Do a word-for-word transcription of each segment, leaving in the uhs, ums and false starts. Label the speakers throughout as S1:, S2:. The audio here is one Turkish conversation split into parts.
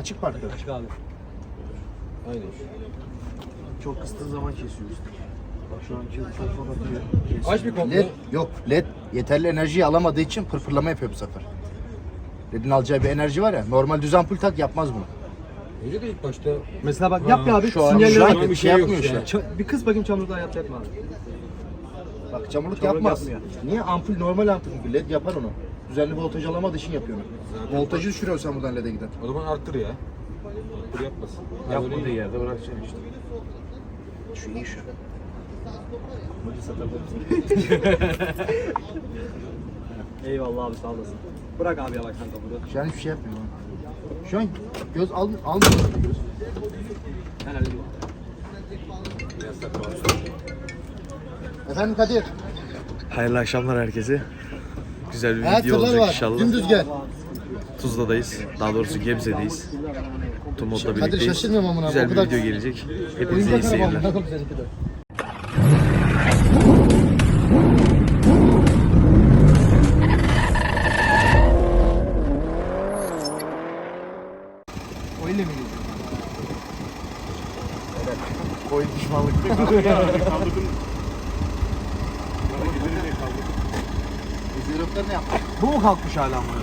S1: Açık parkta.
S2: Açık abi.
S3: Aynen.
S1: Çok kıstığı zaman kesiyoruz. Bak şu anki ufak ufak atıyor.
S3: Aç bir komple.
S1: Led yok. Led yeterli enerjiyi alamadığı için pırpırlama yapıyor bu sefer. Led'in alacağı bir enerji var ya. Normal düz ampul tak yapmaz bunu.
S3: Öyle de ilk başta.
S2: Mesela bak yap ya abi.
S1: Şu an,
S2: Sinyaller
S1: şu
S2: var.
S1: an bir şey yapmıyor işte.
S2: Ç- bir kız bakayım çamurda yap yapma abi.
S1: Bak çamurluk,
S2: Çamurluk
S1: yapmaz.
S2: yapmıyor.
S1: Niye? Ampul normal ampul gibi. Led yapar onu. Düzenli voltaj alamadığı için yapıyor onu.
S3: Zaten-
S1: Voltajı düşürüyorsun sen buradan Led'e giden.
S3: O zaman arttır ya. Arttır yapmasın. Ha,
S2: Yapmadığı
S3: öyle iyi.
S2: yerde bırakacaksın işte.
S1: Şu iyi şu.
S2: Eyvallah abi sağ olasın. Bırak abi yavaş kanka bunu.
S1: Şu an hiçbir şey yapmıyor. lan. Şu an göz al, almıyor göz.
S2: Ben hallediyorum.
S1: Efendim Kadir.
S4: Hayırlı akşamlar herkese. Güzel bir
S1: Hayat
S4: video
S1: tırlar
S4: olacak
S1: var.
S4: inşallah.
S1: Dümdüz gel.
S4: Tuzla'dayız. Daha doğrusu Gebze'deyiz. Tumut'la
S1: Kadir
S4: birlikteyiz.
S1: şaşırmıyorum amına.
S4: Güzel
S1: O
S4: bir
S1: kadar-
S4: video gelecek. Hepinize iyi
S1: Oyuncak araba
S4: seyirler.
S1: amına koyayım seninki de. O ile mi gidiyorsun? Evet. Koyun pişmanlık. Ezeroklar ne yaptı?
S2: Bu mu kalkmış hala ama?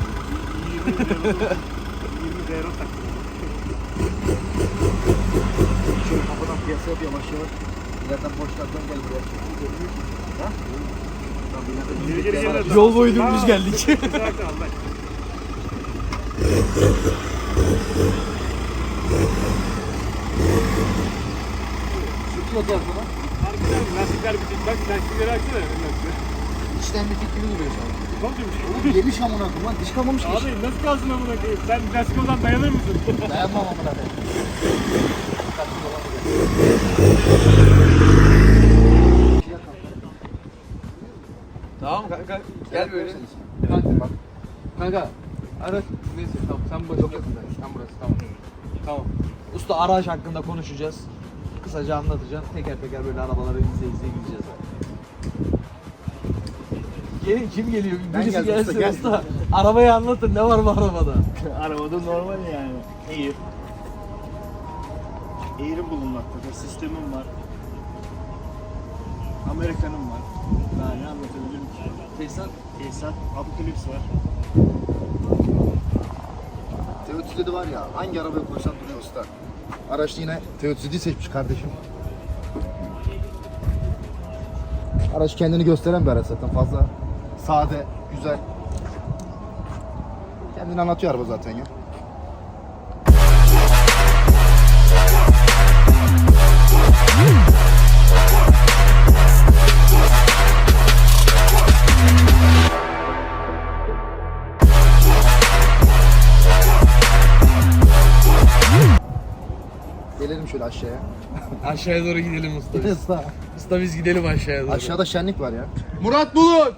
S1: Şöyle kafadan piyasaya bir yavaş yavaş. İleriden boşlardan gel buraya. Ha? Geri geri geri.
S2: Yol boyu dümdüz geldik.
S1: Sütün atı arkada.
S5: Lastikler bitik. Bak lastikleri açsana.
S1: İçten bir fikri duruyor şu an. Oğlum yemiş amına koyayım lan. Diş kalmamış ki.
S5: Abi nasıl kalsın amına koyayım? Sen lastik olsan dayanır mısın?
S1: Dayanmam amına koyayım.
S2: Tamam kanka. Gel böyle.
S1: Kanka bak.
S2: Kanka. Araç. Neyse tamam. Sen boş yok. Sen burası tamam. Tamam. Usta araç hakkında konuşacağız. Kısaca anlatacağım. Teker teker böyle arabaları izle izle gideceğiz. Gelin kim geliyor?
S1: Ben
S2: Birisi
S1: geldim usta,
S2: gelsin usta,
S1: gel.
S2: Arabayı anlatın. Ne var bu arabada?
S5: Arabada normal yani. Air. Air'in bulunmaktadır. Sistemim var. Amerikan'ım var. Daha ne anlatabilirim ki?
S2: Tesisat.
S5: Tesisat. Apokalips var.
S1: T otuz yedi var ya, hangi arabaya koysan duruyor usta. Araçta yine T otuz yediyi seçmiş kardeşim. Araç kendini gösteren bir araç zaten, fazla sade, güzel. Kendini anlatıyor araba zaten ya. Gelelim şöyle aşağıya.
S4: Aşağıya doğru gidelim usta.
S1: Usta.
S4: Usta biz gidelim aşağıya doğru.
S1: Aşağıda şenlik var ya.
S4: Murat Bulut!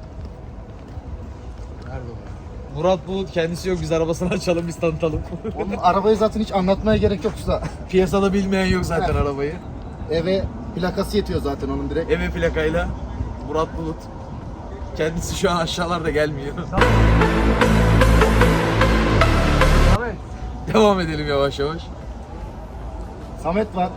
S4: Murat Bulut kendisi yok. Biz arabasını açalım, biz tanıtalım.
S1: Onun arabayı zaten hiç anlatmaya gerek yok usta.
S4: Piyasada bilmeyen yok zaten arabayı.
S1: Eve plakası yetiyor zaten onun direkt.
S4: Eve plakayla Murat Bulut. Kendisi şu an aşağılarda gelmiyor. Devam edelim yavaş yavaş.
S1: Samet var.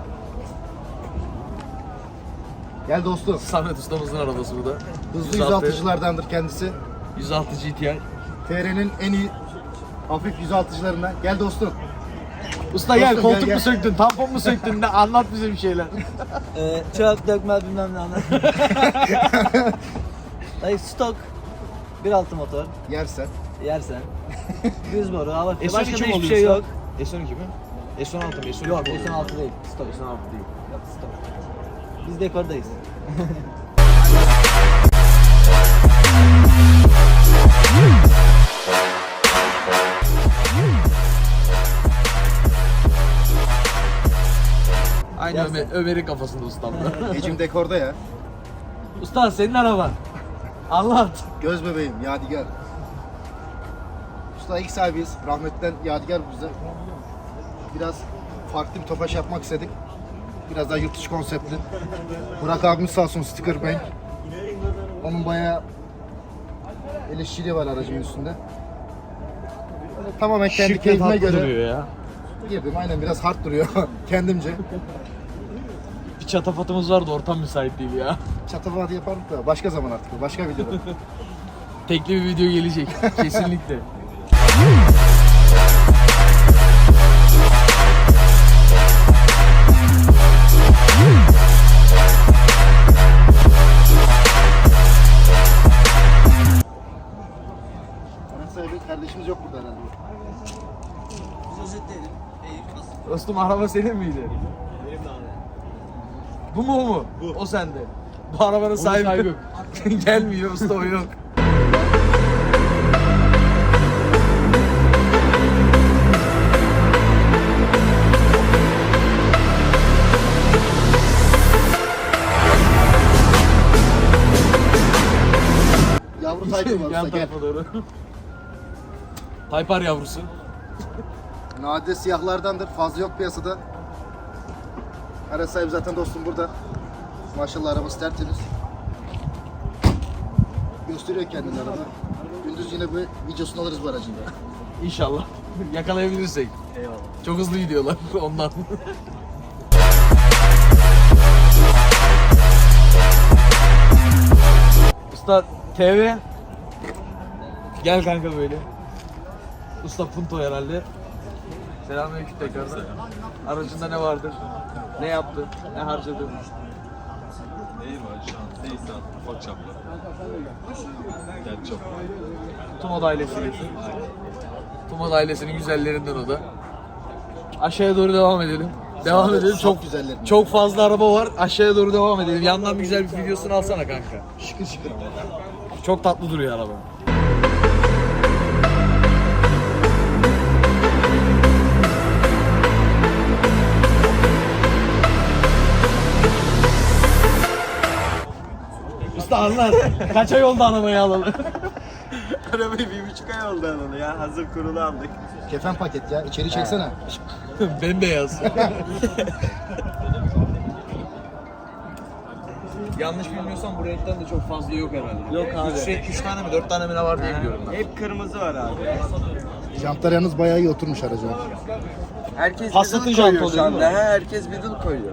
S1: Gel dostum.
S4: Samet ustamızın arabası bu da.
S1: Hızlı yüz altıcılardandır kendisi.
S4: yüz altı G T I.
S1: T R'nin en iyi hafif yüz altıcılarından. Gel dostum.
S4: Usta gel,
S1: Dostum,
S4: koltuk
S1: gel,
S4: mu
S1: gel.
S4: söktün, tampon mu söktün, ne anlat bize bir şeyler.
S6: Ee, çöp dökme bilmem ne anlat. Dayı stok. bir altı motor.
S1: Yersen.
S6: Yersen. Düz boru, hava filtre.
S4: S on
S6: Başka
S4: iki
S6: da
S4: mi
S6: hiçbir
S4: oluyor
S6: şey
S4: usta?
S6: yok.
S4: S on iki mi? S on altı mı? S on iki
S6: Yok,
S4: mi oluyor?
S6: S on altı değil. Stok.
S4: S on altı değil.
S6: Yok, stok. Biz dekordayız.
S4: Aynı Ömer, Ömer'in kafasında ustam da.
S1: Ecim dekorda ya.
S4: Usta senin araban. Anlat.
S1: Göz bebeğim, Yadigar. Usta ilk sahibiyiz. Rahmetten Yadigar bize. Biraz farklı bir topaş yapmak istedik. Biraz daha yurt dışı konseptli. Burak abimiz sağ olsun, sticker bank. Onun bayağı el işçiliği var aracın üstünde. Böyle tamamen kendi
S4: Şık ve
S1: keyfime
S4: tatlı
S1: göre
S4: duruyor ya.
S1: Girdim aynen biraz hard duruyor kendimce.
S2: Bir çatafatımız vardı, ortam müsait değil ya.
S1: Çatafatı yaparım da başka zaman artık başka videoda.
S2: Tekli bir video gelecek kesinlikle.
S1: Araç sahibi kardeşimiz yok burada herhalde.
S2: Dostum araba senin miydi?
S6: Benim de abi.
S2: Bu mu o mu? Bu. O sende. Bu arabanın sahibi, sahibi yok. Gelmiyor usta, o yok.
S1: Yavru Tayfun var
S2: Yan
S1: usta gel.
S2: tarafa doğru. Taypar yavrusu.
S1: Nadide siyahlardandır. Fazla yok piyasada. Araç sahibi zaten dostum burada. Maşallah arabası tertemiz. Gösteriyor kendini araba. Gündüz yine bir videosunu alırız bu aracın da.
S2: İnşallah. Yakalayabilirsek.
S6: Eyvallah.
S2: Çok hızlı gidiyorlar ondan. Usta T V. Gel kanka böyle. Usta Punto herhalde. Selamünaleyküm tekrardan. Aracında ne vardır? Ne yaptı? Ne harcadı?
S3: Neyi var şu an? Neyse ufak çaplı. Gel çok.
S2: Tumod ailesi. Tumod ailesinin güzellerinden o da. Aşağıya doğru devam edelim. Devam
S1: Sağ-
S2: edelim.
S1: sağ
S2: Çok
S1: güzellerim.
S2: çok fazla araba var. Aşağıya doğru devam edelim. Yandan bir güzel bir videosunu alsana kanka.
S1: Şıkır şıkır.
S2: Çok tatlı duruyor araba. Usta anlat. Kaç ay oldu arabayı alalı?
S5: Arabayı bir buçuk ay oldu alalı ya. Hazır kurulu aldık.
S1: Kefen paket ya. İçeri çeksene.
S2: Bembeyaz. Yanlış bilmiyorsam bu renkten de çok fazla yok herhalde.
S6: Yok abi.
S2: Üç, üç tane mi dört tane mi ne var diye biliyorum ben.
S5: Hep kırmızı var abi.
S1: Jantlar yalnız bayağı iyi oturmuş araca.
S7: Herkes
S2: Passat'ın
S7: middle koyuyor
S2: jantı
S7: şu
S2: oluyor
S7: anda.
S2: değil mi?
S7: He, herkes middle koyuyor.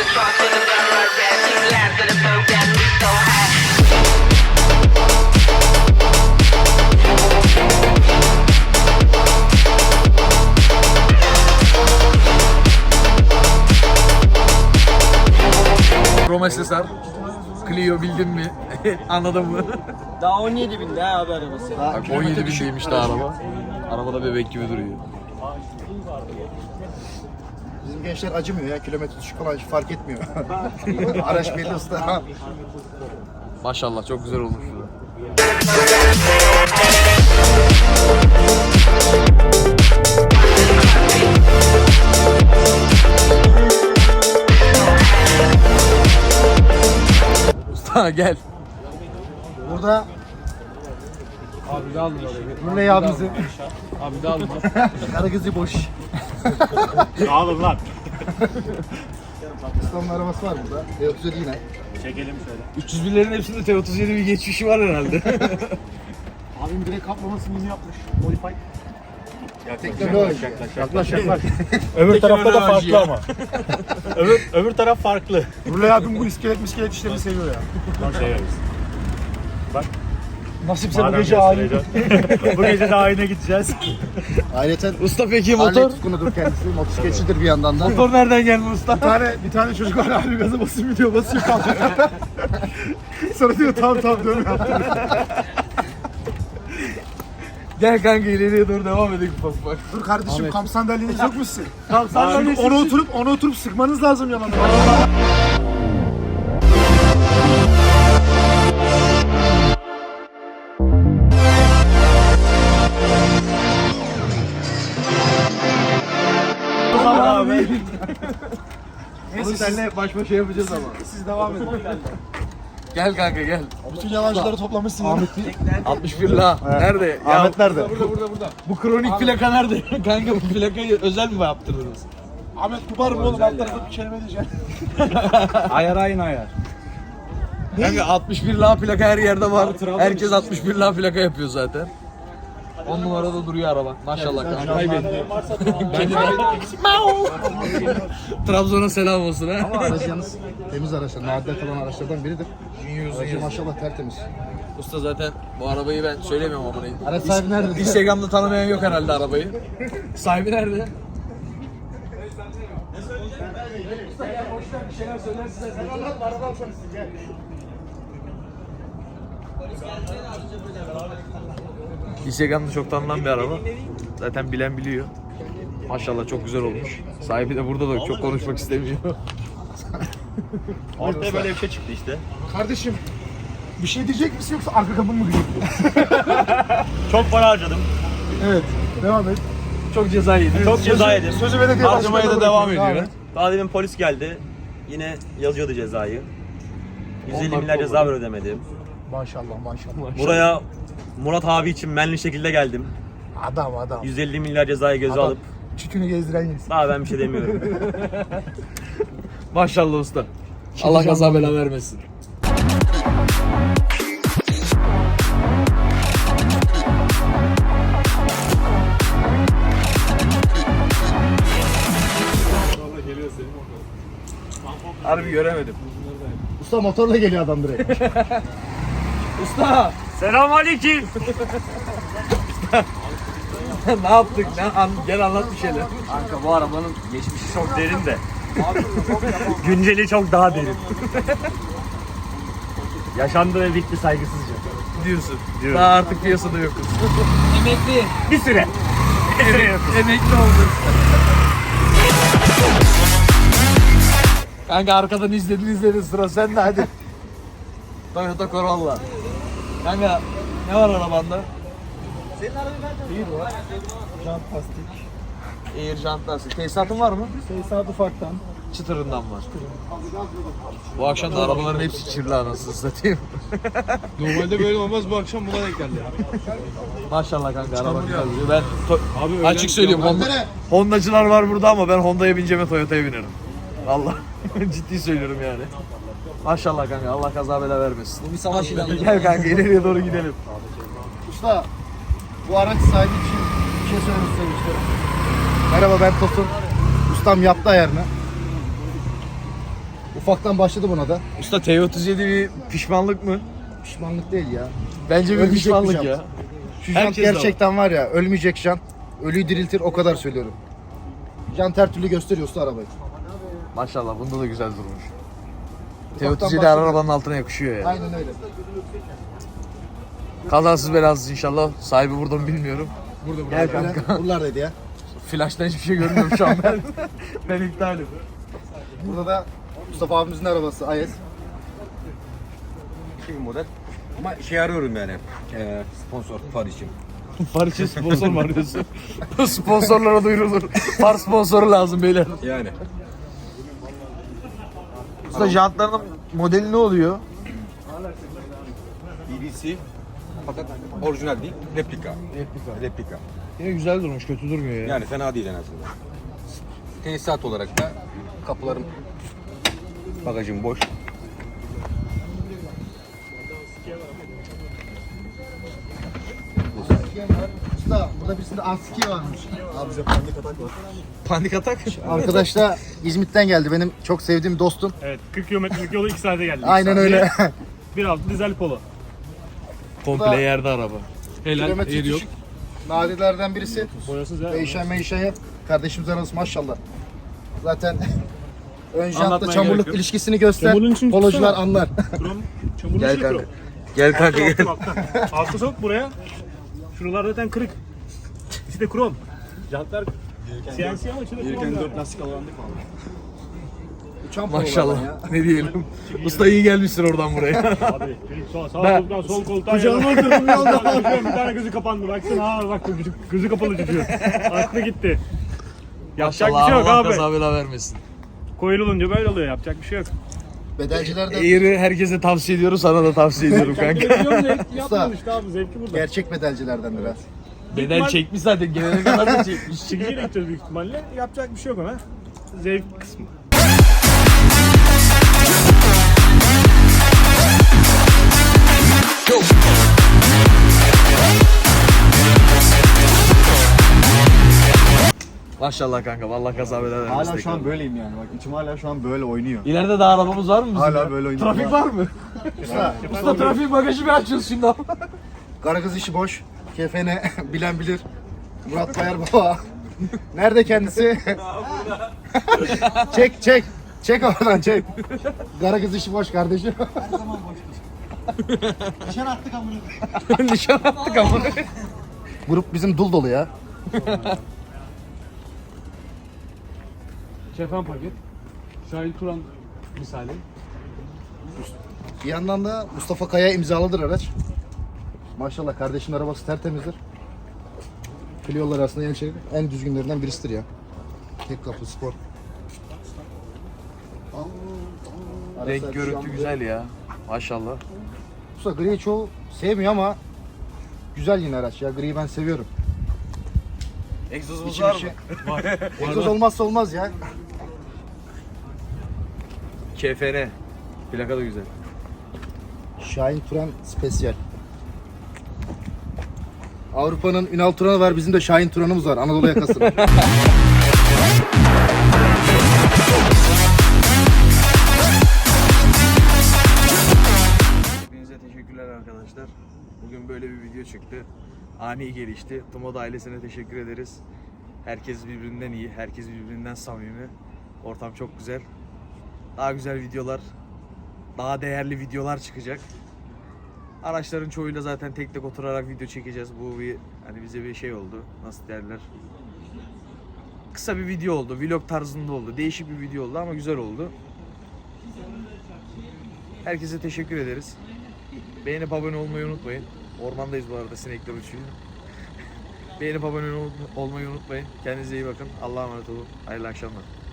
S2: Roma Sesar. Clio bildin mi? Anladın mı?
S6: Daha on yedi binde ha abi arabası.
S2: Bak on yedi bindeymiş de araba. Arabada bebek gibi duruyor.
S1: Bizim gençler acımıyor ya. Kilometre düşük falan hiç fark etmiyor. Araç belli usta.
S2: Maşallah çok güzel olmuş. Usta gel.
S1: Burada
S3: Abi de alın oraya.
S1: Ruley abimizi.
S3: Abi de alın.
S1: Karagözü boş.
S5: Sağ olun lan.
S1: Ustamın arabası var burada. E otuz yedi yine.
S5: Çekelim şöyle.
S2: üç yüz birlerin hepsinde T otuz yedi bir geçmişi var herhalde.
S5: Abim direkt kaplamasını yeni yapmış. Modify.
S1: Teknoloji.
S5: Yaklaş yaklaş.
S8: Öbür tarafta da
S2: Teknoloji
S8: farklı
S2: ya.
S8: ama. öbür, öbür taraf farklı.
S5: Ruley abim bu iskelet miskelet işlerini seviyor ya.
S8: Bak severiz.
S5: Nasipse bu
S8: Madem
S5: gece ayin.
S8: göstereceğim. Bu gece de ayine gideceğiz.
S1: Ayrıca
S2: Usta peki
S1: Harley
S2: motor?
S1: tutkunudur kendisi. Motosikletçidir bir yandan da.
S2: Motor nereden geldi usta?
S5: Bir tane, bir tane çocuk var abi gaza basıyor gidiyor basıyor kalkıyor. Sonra diyor tamam tamam dön yaptım.
S2: Gel kanka ileriye doğru devam edelim ufak ufak.
S5: Dur kardeşim kamp sandalyeniz yok mu sizin? Kamp sandalyesi. Onu oturup onu oturup sıkmanız lazım yalan.
S8: abi.
S2: Onu seninle baş başa yapacağız ama.
S5: Siz devam edin.
S2: Gel kanka gel.
S5: Bütün yalancıları toplamışsın ya.
S2: altmış bir la. Nerede? Ya,
S1: Ahmet nerede?
S2: bu kronik plaka nerede? Kanka bu plakayı özel mi yaptırdınız?
S5: Ahmet kubar mı oğlum alt tarafta bir kelime diyeceğim.
S8: Ayar aynı ayar.
S2: Kanka altmış bir la plaka her yerde var. Herkes altmış bir la plaka yapıyor zaten. On numarada duruyor araba. Maşallah kanka.
S1: Kaybettim.
S2: Trabzon'a selam olsun ha.
S1: Ama araç yalnız temiz araçlar. Nadide kalan araçlardan biridir. Aracı maşallah tertemiz.
S2: Usta zaten bu arabayı ben söylemiyorum ama.
S1: Araç sahibi nerede?
S2: Instagram'da tanımayan yok herhalde arabayı. Sahibi nerede? Instagram'da çok tanınan bir araba. Zaten bilen biliyor. Maşallah çok güzel olmuş. Sahibi de burada da çok konuşmak istemiyor.
S8: Ortaya böyle bir şey çıktı işte.
S5: Kardeşim bir şey diyecek misin yoksa arka kapını mı gıcıklıyor?
S8: Çok para harcadım.
S5: Evet. Devam et.
S2: Çok ceza yedi.
S8: Çok ceza yedim.
S5: Sözü belediye
S2: Harcamaya da
S5: başkanına
S2: devam
S5: bırakıyorum.
S2: ediyor.
S8: Daha demin polis geldi. Yine yazıyordu cezayı. yüz elli
S2: Onlar
S8: milyar
S2: kolu.
S8: ceza var ödemedim.
S5: Maşallah maşallah.
S8: Buraya Murat abi için menli şekilde geldim.
S5: Adam adam.
S8: yüz elli milyar cezayı göze
S5: Adam.
S8: alıp
S5: Çükünü gezdiren yesin.
S8: daha ben bir şey demiyorum.
S2: Maşallah usta. Allah kaza bela vermesin. Harbi göremedim.
S1: Usta motorla geliyor adam direkt.
S2: Usta
S8: Selamünaleyküm.
S2: ne yaptık? Ne an, gel anlat bir şeyler.
S8: Kanka bu arabanın geçmişi çok derin de. Günceli çok daha derin. Yaşandı ve bitti saygısızca.
S2: Diyorsun.
S8: Diyorum.
S2: Daha artık piyasada yokuz. Emekli.
S8: Bir süre. Bir süre yok.
S2: Emekli olduk. Kanka arkadan izledin izledin sıra sende hadi. Toyota Corolla. Kanka ne var arabanda?
S5: Jant plastik.
S2: Air jant lastik. Tesisatın var mı?
S5: Tesisat ufaktan.
S2: Çıtırından var. Bu akşam da arabaların hepsi çirli anasını satayım.
S3: Normalde böyle olmaz, bu akşam buna denk geldi.
S2: Maşallah kanka araba güzel duruyor. Ben to-
S3: Abi
S2: açık söylüyorum Honda, Hondacılar var burada ama ben Honda'ya bineceğime Toyota'ya binerim. Allah ciddi söylüyorum yani. Maşallah kanka Allah kaza bela vermesin. Bu bir savaş ilanı. Gel kanka ileriye doğru gidelim.
S1: Usta bu araç sahibi için bir şey söylemek istemiştim. Merhaba ben Tosun. Ustam yaptı ayarını. Ufaktan başladı buna da.
S2: Usta T otuz yedi bir pişmanlık mı?
S1: Pişmanlık değil ya.
S2: Bence bir
S1: Ölmeyecek
S2: pişmanlık
S1: bir
S2: ya.
S1: jant. Şu jant
S2: Herkes de
S1: gerçekten var ya ölmeyecek jant. Ölüyü diriltir o kadar söylüyorum. Jant her türlü gösteriyor usta arabayı.
S2: Maşallah bunda da güzel durmuş. T
S1: Ufaktan
S2: otuz yedi her
S1: başladı.
S2: arabanın altına yakışıyor ya.
S1: Aynen öyle.
S2: Kazasız belasız inşallah. Sahibi burada mı bilmiyorum. Burada burada. Gel kanka.
S1: Buralardaydı ya.
S2: Flash'tan hiçbir şey görmüyorum şu an ben. ben iptalim.
S1: Burada da Mustafa abimizin arabası A S.
S9: Bir model. Ama şey arıyorum yani. Ee, sponsor far için.
S2: Far için sponsor mu arıyorsun? Sponsorlara duyurulur. Far sponsoru lazım beyler.
S9: Yani.
S2: Usta jantlarının modeli ne oluyor?
S9: B B C fakat orijinal değil, replika. Replika. Replika.
S2: Yine güzel durmuş, kötü durmuyor ya.
S9: Yani fena değil en azından. Tesisat olarak da kapılarım, bagajım boş.
S1: Usta burada birisinde A S iki varmış. Abi bize panik atak var.
S2: Panik atak?
S1: Arkadaş da İzmit'ten geldi. Benim çok sevdiğim dostum.
S8: Evet, kırk kilometrelik yolu iki saate geldik.
S1: Aynen öyle.
S8: bir altı dizel polo.
S2: Komple yerde araba.
S1: Kilometre düşük. Nadilerden birisi.
S8: Boyasız ya.
S1: Meyşen meyşen yap. Kardeşimiz arası maşallah. Zaten ön jantla
S8: Anlatmaya
S1: çamurluk
S8: gerek yok.
S1: ilişkisini göster.
S8: Çamurluğun için
S1: Polocular
S8: tutsana.
S1: anlar.
S8: Krom, çamurlu
S2: Gel
S8: şey
S2: kanka.
S8: krom.
S2: Gel kanka gel.
S8: Altta, altta. Altta sok buraya. Şuralar zaten kırık. İşte krom. Jantlar C N C ama içinde krom. dört lastik alandık
S1: Uçan pololar
S2: Maşallah.
S1: ya.
S2: Ne diyelim. Usta iyi gelmişsin oradan buraya.
S8: Abi sağ, sağ
S2: Ben-
S8: koltuktan sol koltuğa Kucağıma oturdum yolda. Bir tane gözü kapandı. Baksana ha bak gözü, gözü kapalı çocuğu. Aklı gitti. Yapacak bir
S2: Maşallah
S8: şey yok
S2: Allah
S8: abi.
S2: kaza bela vermesin.
S8: Coil olunca böyle oluyor. Yapacak bir şey yok.
S1: Bedelcilerden
S2: Air'i herkese tavsiye ediyoruz, sana da tavsiye ediyorum kanka.
S8: Yapmadın işte abi zevki burada.
S1: gerçek bedelcilerden biraz.
S2: Bedel çekmiş zaten, gelene kadar da çekmiş.
S8: Çigiyle gideceğiz büyük ihtimalle. Yapacak bir şey yok ona. Zevk kısmı.
S10: Go.
S2: Maşallah kanka vallahi kaza bela vermesin
S5: Hala şu
S2: tekrar.
S5: an böyleyim yani. Bak içim hala şu an böyle oynuyor.
S2: İleride daha arabamız var mı bizim?
S5: Hala
S2: ya?
S5: böyle oynuyor.
S2: Trafik var mı? Usta trafik bagajı bir açıyoruz şimdi ama.
S1: Karagöz işi boş. Kefene bilen bilir. Murat Bayar baba. Nerede kendisi? çek çek. Çek oradan çek. Karagöz işi boş kardeşim. Her zaman boştur. Nişan attık amına.
S2: Nişan attık ama.
S1: Grup bizim dul dolu ya.
S8: Şefan paket. Şahin Turan misali.
S1: Bir yandan da Mustafa Kaya imzalıdır araç. Maşallah kardeşimin arabası tertemizdir. Clio'lar arasında en, şey, en düzgünlerinden birisidir ya. Tek kapı spor.
S2: Renk görüntü güzel ya. Maşallah.
S1: Usta griyi çoğu sevmiyor ama güzel yine araç ya. Griyi ben seviyorum.
S2: Egzozumuz
S1: İçim
S2: var mı?
S1: içi. Egzoz olmazsa olmaz ya.
S2: K F N. Plaka da güzel.
S1: Şahin Turan Spesyal. Avrupa'nın Ünal Turan'ı var, bizim de Şahin Turan'ımız var. Anadolu yakasında.
S2: Hepinize teşekkürler arkadaşlar. Bugün böyle bir video çıktı. Ani gelişti. Tomoda ailesine teşekkür ederiz. Herkes birbirinden iyi, herkes birbirinden samimi. Ortam çok güzel. Daha güzel videolar, daha değerli videolar çıkacak. Araçların çoğuyla zaten tek tek oturarak video çekeceğiz. Bu bir hani bize bir şey oldu. Nasıl derler? Kısa bir video oldu. Vlog tarzında oldu. Değişik bir video oldu ama güzel oldu. Herkese teşekkür ederiz. Beğenip abone olmayı unutmayın. Ormandayız bu arada, sinekler uçuyor. Beğenip abone ol- olmayı unutmayın. Kendinize iyi bakın. Allah'a emanet olun. Hayırlı akşamlar.